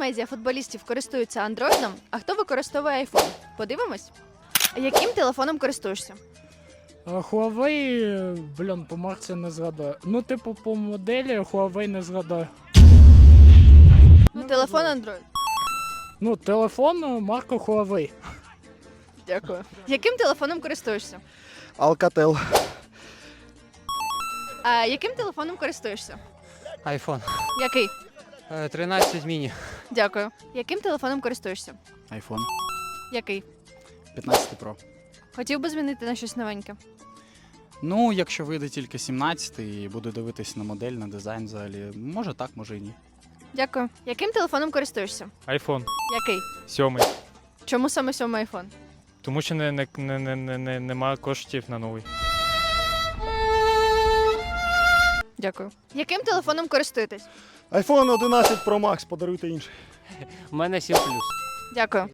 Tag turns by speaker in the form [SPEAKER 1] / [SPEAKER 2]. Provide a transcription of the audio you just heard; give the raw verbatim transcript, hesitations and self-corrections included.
[SPEAKER 1] медіа футболістів користуються андроїдом, а хто використовує айфон? Подивимось. Яким телефоном користуєшся?
[SPEAKER 2] А Huawei, блін, по марці не згадаю. Ну, типу, по моделі Huawei не згадаю.
[SPEAKER 1] Ну, телефон Android.
[SPEAKER 2] Ну, телефон марка Huawei.
[SPEAKER 1] Дякую. Яким телефоном користуєшся?
[SPEAKER 3] Alcatel.
[SPEAKER 1] А яким телефоном користуєшся?
[SPEAKER 4] Айфон.
[SPEAKER 1] Який?
[SPEAKER 4] Е, тринадцять міні.
[SPEAKER 1] Дякую. Яким телефоном користуєшся?
[SPEAKER 3] iPhone.
[SPEAKER 1] Який?
[SPEAKER 3] п'ятнадцять Pro.
[SPEAKER 1] Хотів би змінити на щось новеньке.
[SPEAKER 3] Ну, якщо вийде тільки сімнадцятий і буду дивитись на модель, на дизайн взагалі, може так, може і ні.
[SPEAKER 1] Дякую. Яким телефоном користуєшся?
[SPEAKER 5] Айфон
[SPEAKER 1] Який?
[SPEAKER 5] сьомий.
[SPEAKER 1] Чому саме сьомий айфон?
[SPEAKER 5] Тому що не, не, не, не, не, не, немає коштів на новий.
[SPEAKER 1] Дякую. Яким телефоном користуєтесь?
[SPEAKER 6] iPhone одинадцять Pro Max, подаруйте інший.
[SPEAKER 4] У мене сім плюс.
[SPEAKER 1] Дякую.